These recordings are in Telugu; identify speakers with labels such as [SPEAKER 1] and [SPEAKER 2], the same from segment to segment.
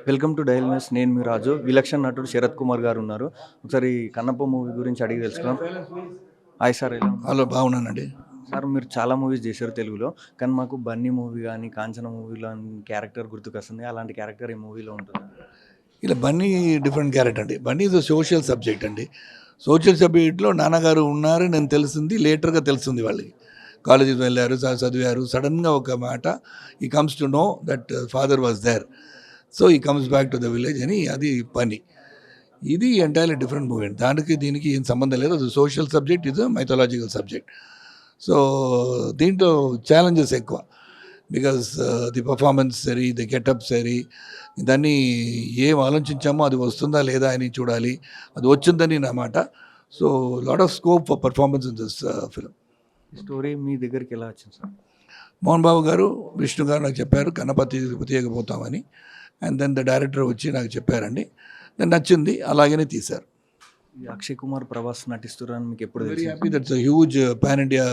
[SPEAKER 1] Welcome to daily news. నేను మీ రాజు. విలక్షణ నటుడు శరత్ కుమార్ గారు ఉన్నారు. ఒకసారి కన్నప్ప మూవీ గురించి అడిగి తెలుసుకుందాం. హాయ్ సార్, ఎలా ఉన్నారు?
[SPEAKER 2] హలో, బాగున్నానండి.
[SPEAKER 1] సార్, మీరు చాలా మూవీస్ చేశారు తెలుగులో, కానీ మాకు బన్నీ మూవీ కానీ కాంచన మూవీలో క్యారెక్టర్ గుర్తుకొస్తుంది. అలాంటి క్యారెక్టర్ ఈ మూవీలో ఉంటుంది.
[SPEAKER 2] ఇలా బన్నీ డిఫరెంట్ క్యారెక్టర్ అండి. బన్నీ ఇస్ సోషల్ సబ్జెక్ట్ అండి. సోషల్ సబ్జెక్ట్లో నాన్నగారు ఉన్నారు నేను తెలిసింది, లేటర్గా తెలిసింది వాళ్ళకి. కాలేజీకి వెళ్ళారు, చదివారు. సడన్గా ఒక మాట he comes to know that father was there, so he comes back to the village అని. అది పని. ఇది ఎంటైర్లీ డిఫరెంట్ మూవీ అండి. దానికి దీనికి ఏం సంబంధం లేదు. అది సోషల్ సబ్జెక్ట్, ఇది మైథలాజికల్ సబ్జెక్ట్. సో దీంట్లో ఛాలెంజెస్ ఎక్కువ. బికాస్ ది పర్ఫార్మెన్స్ సరి, ది గెటప్ సరి, దాన్ని ఏం ఆలోచించామో అది వస్తుందా లేదా అని చూడాలి. అది వచ్చిందని నా మాట. So lot of scope for performance in this film.
[SPEAKER 1] Story మీ దగ్గరికి ఎలా వచ్చింది సార్?
[SPEAKER 2] మోహన్ బాబు గారు, విష్ణు గారు నాకు చెప్పారు కన్నపతి తీయకపోతామని. అండ్ దెన్ ద డైరెక్టర్ వచ్చి నాకు చెప్పారండి. దాన్ని నచ్చింది, అలాగనే తీశారు.
[SPEAKER 1] అక్షయ్ కుమార్, ప్రభాస్ నటిస్తున్నారని మీకు ఎప్పుడు
[SPEAKER 2] వెరీ
[SPEAKER 1] తెలిసింది?
[SPEAKER 2] Happy. That's a huge pan India.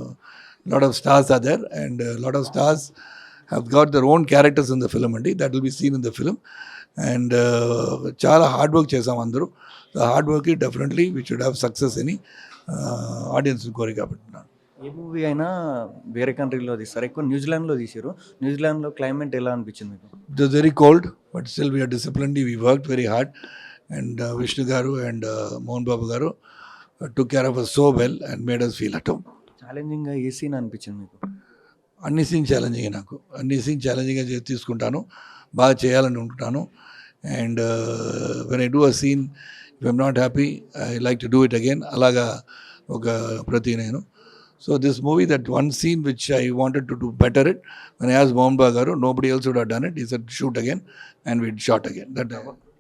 [SPEAKER 2] Lot of stars are there, and lot of stars have got their own characters in the film అండి. That will be seen in the film. And చాలా హార్డ్ వర్క్ చేసాం అందరూ. Hard work definitely we should have success అని ఆడియన్స్ కోరి కాబట్టి.
[SPEAKER 1] ఏ మూవీ అయినా వేరే కంట్రీలో తీస్తారు, ఎక్కువ న్యూజిలాండ్లో తీసారు. న్యూజిలాండ్లో క్లైమేట్ ఎలా అనిపించింది మీకు?
[SPEAKER 2] It was very cold, but still we are disciplined. We work very hard. And Vishnu garu and Mohan Babu garu took care of us so well and made us feel at home.
[SPEAKER 1] ఛాలెంజింగ్గా ఏ సీన్ అనిపించింది మీకు?
[SPEAKER 2] అన్ని సీన్ ఛాలెంజింగ్. నాకు అన్ని సీన్ ఛాలెంజింగ్గా తీసుకుంటాను, బాగా చేయాలని ఉంటున్నాను. And when I do a scene, if I'm not happy I like to do it again. అలాగా ఒక ప్రతి నేను. So this movie, that one scene which I wanted to do better it, when I as Mohan Babu garu, nobody else would have done it. He said shoot again and we shot again. That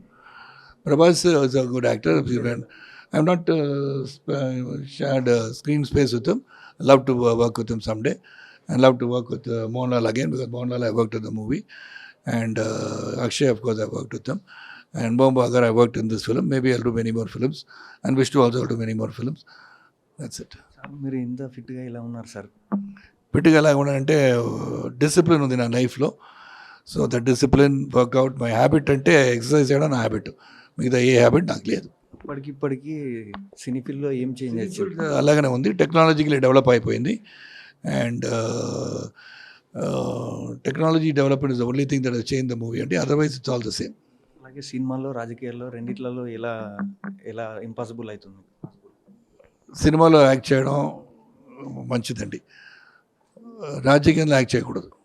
[SPEAKER 2] Prabhas is a good actor. I'm not shared screen space with him. I love to work with him someday. I love to work with Mohanlal again, because Mohanlal I worked in the movie. And Akshay, of course, I worked with him. And Mohan Bagar, I worked in this film. Maybe I'll do many more films. And Vishnu also will do many more films. That's it.
[SPEAKER 1] Sir, మీరు ఇంత ఫిట్గా ఇలా ఉన్నారు సార్?
[SPEAKER 2] ఫిట్గా ఎలా ఉన్నానంటే డిసిప్లిన్ ఉంది నా లైఫ్లో. So that discipline workout my habit. అంటే ఎక్సర్సైజ్ చేయడం నా హ్యాబిట్. మిగతా ఏ హ్యాబిట్ నాకు లేదు.
[SPEAKER 1] ఇప్పటికి సినీ ఫీల్డ్లో ఏం చేంజ్ వచ్చింది?
[SPEAKER 2] అలాగనే ఉంది. టెక్నాలజికలీ డెవలప్ అయిపోయింది. And technology development is the only thing that has change the movie అంటే. Otherwise it's all the same.
[SPEAKER 1] అలాగే సినిమాల్లో, రాజకీయాల్లో రెండిట్లలో ఎలా ఎలా ఇంపాసిబుల్ అవుతుంది?
[SPEAKER 2] సినిమాలో యాక్ట్ చేయడం మంచిదండి, రాజకీయంలో యాక్ట్ చేయకూడదు.